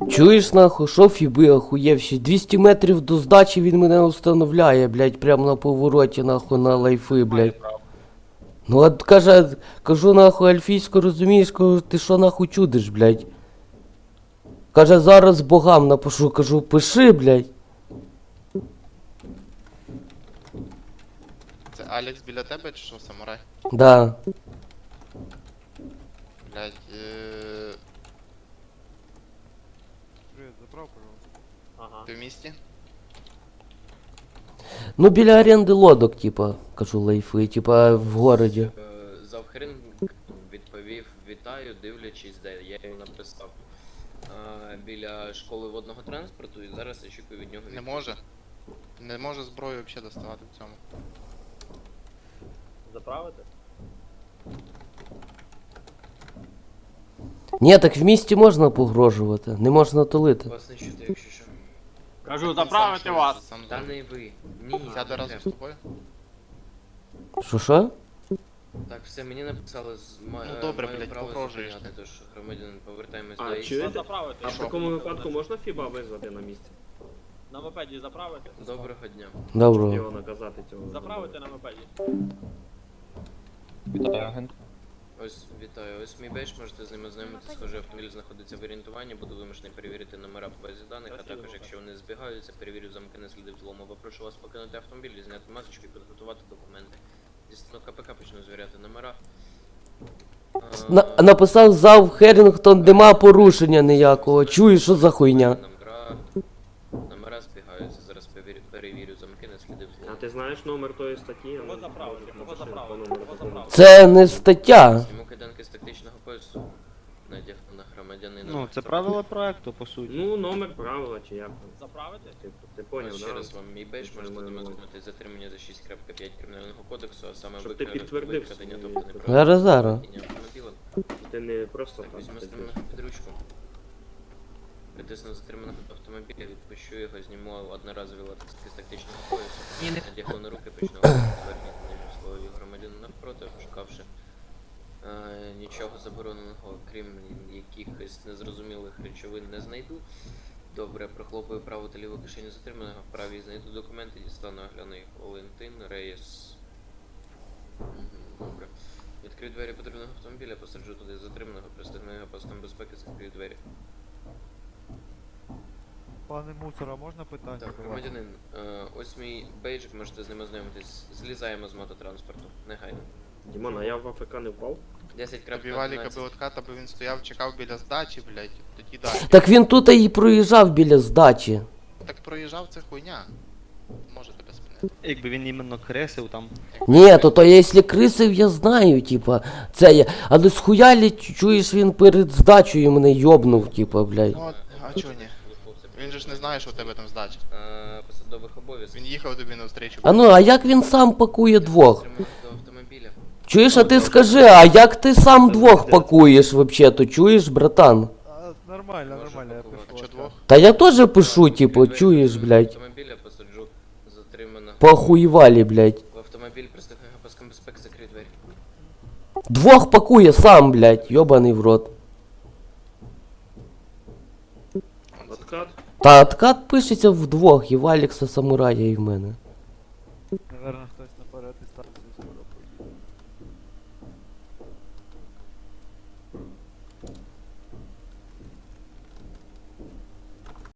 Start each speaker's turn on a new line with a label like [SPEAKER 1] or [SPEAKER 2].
[SPEAKER 1] Чуєш нахуй, що фіби охуєвші? 200 метрів до здачі він мене установляє, блядь, прямо на повороті, нахуй, на лайфи, блядь. Ну от каже, кажу нахуй альфійську, розумієш, кажу, ти що нахуй чудиш, блядь? Каже, зараз богам напишу, кажу, пиши, блядь.
[SPEAKER 2] Це Алекс біля тебе чи що, самурай?
[SPEAKER 1] Да.
[SPEAKER 2] Блядь,
[SPEAKER 3] Привет, заправ, пожалуйста.
[SPEAKER 4] Ага.
[SPEAKER 2] ти в місті?
[SPEAKER 1] Ну біля оренди лодок, типа, кажу, лайфи, типа в городі.
[SPEAKER 4] Завхрин відповів вітаю, дивлячись, де я йому написав біля школи водного транспорту і зараз очікую від нього
[SPEAKER 2] Не
[SPEAKER 4] відповідь.
[SPEAKER 2] може. Не може зброю взагалі доставати в цьому.
[SPEAKER 5] Заправити?
[SPEAKER 1] Ні, так в місті можна погрожувати, не можна тулити.
[SPEAKER 4] Вас не чути, якщо що.
[SPEAKER 5] Кажу,
[SPEAKER 2] Він сам
[SPEAKER 5] заправити
[SPEAKER 2] що,
[SPEAKER 5] вас!
[SPEAKER 2] сам
[SPEAKER 4] Та
[SPEAKER 2] зробить.
[SPEAKER 4] не ви. Ні.
[SPEAKER 2] Сяде
[SPEAKER 4] не
[SPEAKER 2] разом з
[SPEAKER 4] треба.
[SPEAKER 2] тобою?
[SPEAKER 1] Що?
[SPEAKER 4] Так, все, мені написали
[SPEAKER 2] Ну, добре,
[SPEAKER 4] маю
[SPEAKER 2] блядь,
[SPEAKER 4] право
[SPEAKER 2] погрожуєш
[SPEAKER 4] зупиняти, тож громадянин, повертаємось
[SPEAKER 5] А,
[SPEAKER 4] до ІС.
[SPEAKER 5] чуєте?
[SPEAKER 6] Заправити.
[SPEAKER 5] А в
[SPEAKER 2] що?
[SPEAKER 5] такому випадку можна Фіба визвати на місці?
[SPEAKER 6] На мопеді заправити?
[SPEAKER 4] Доброго дня.
[SPEAKER 1] Доброго.
[SPEAKER 5] Його наказати цього.
[SPEAKER 6] Заправити на мопеді.
[SPEAKER 7] Вітаю, агент.
[SPEAKER 4] Ось, вітаю. Ось мій бейдж, можете з ним ознайомитися. Схожий автомобіль знаходиться в орієнтуванні, буду вимушений перевірити номера в базі даних, а також, якщо вони збігаються, перевірю замки на сліди взлому. Попрошу вас покинути автомобіль, зняти масочку і підготувати документи. Дістану КПК, почну звіряти номера.
[SPEAKER 1] Написав зав Херінгтон, нема порушення ніякого. Чуєш, що за хуйня?
[SPEAKER 4] Номера збігаються, зараз перевірю замки на сліди
[SPEAKER 5] А
[SPEAKER 4] взлому.
[SPEAKER 5] ти знаєш номер тої статті?
[SPEAKER 6] Кого заправити? Кого заправити? Кого заправити?
[SPEAKER 1] Це не стаття.
[SPEAKER 4] Зніму кайданки з тактичного поясу. Надягну на громадянина.
[SPEAKER 3] Ну, це правила проекту, по суті.
[SPEAKER 5] Ну, номер правила чи як там.
[SPEAKER 6] Заправити?
[SPEAKER 5] Ти поняв,
[SPEAKER 4] Ось
[SPEAKER 5] да?
[SPEAKER 4] ще раз вам мій бейдж,
[SPEAKER 5] Це
[SPEAKER 4] можете
[SPEAKER 5] нормально.
[SPEAKER 4] демонструвати затримання за 6.5 кримінального кодексу, а саме
[SPEAKER 5] Щоб ти
[SPEAKER 4] викрадення,
[SPEAKER 5] підтвердив
[SPEAKER 4] викрадення,
[SPEAKER 5] свої
[SPEAKER 4] тобто
[SPEAKER 5] права.
[SPEAKER 1] Зараз, зараз.
[SPEAKER 4] неправильне автомобіля.
[SPEAKER 5] Ти не просто
[SPEAKER 4] Так,
[SPEAKER 5] так.
[SPEAKER 4] візьму
[SPEAKER 5] ти
[SPEAKER 4] стриманого під ручку. Притисну затриманого автомобіля, відпущу його, зніму одноразові латexки з тактичного поясу. Надягну на руки, почну верхні слові громадянина навпроти, шукавши нічого забороненого, крім якихось незрозумілих речовин, не знайду. Добре, прохлопую праву та ліву кишеню затриманого, в правій знайду документи, дістану, огляну їх. Валентин, Рейс. Добре. Відкрию двері потрібного автомобіля, посаджу туди затриманого, пристегну його паском безпеки, закрию двері.
[SPEAKER 3] Пане мусора, можна питання?
[SPEAKER 4] Так, громадянин, ось мій бейджик, можете з ним ознайомитись. Злізаємо з мототранспорту, негайно.
[SPEAKER 5] Дімон, а я в АФК не впав?
[SPEAKER 4] 10.11.
[SPEAKER 2] Тобі валіка би отката, бо він стояв, чекав біля здачі, блядь. Тоді далі.
[SPEAKER 1] Так він тут і проїжджав біля здачі.
[SPEAKER 2] Так проїжджав, це хуйня. Може тебе спинити.
[SPEAKER 3] Якби він іменно кресив там.
[SPEAKER 1] Ні, то якщо крисив, я знаю, типа, це я. Але схуялі, чуєш, він перед здачею мене йобнув, типа, блядь.
[SPEAKER 2] Ну, а чого ні? Він же ж не знає, що у тебе там здача.
[SPEAKER 4] Посадових обов'язків.
[SPEAKER 2] Він їхав тобі навстрічу.
[SPEAKER 1] А ну, а як він сам пакує двох?
[SPEAKER 4] Затриманих до автомобіля.
[SPEAKER 1] Чуєш, а ти скажи, а як ти сам двох пакуєш вообще-то, чуєш, братан?
[SPEAKER 3] Нормально,
[SPEAKER 4] Можу
[SPEAKER 3] нормально, я
[SPEAKER 4] пакувати.
[SPEAKER 2] А чо двох?
[SPEAKER 1] Та я теж пишу, типу, чуєш, блядь,
[SPEAKER 4] Автомобіля посаджу затриманого.
[SPEAKER 1] похуєвалі, блядь.
[SPEAKER 4] В автомобіль пристегну його паском безпеки, закрию двері.
[SPEAKER 1] Двох пакує сам, блядь, йобаний в рот.
[SPEAKER 5] Откат?
[SPEAKER 1] Та откат пишеться вдвох, і в Алекса Самурая, і в мене.
[SPEAKER 3] Наверно, хтось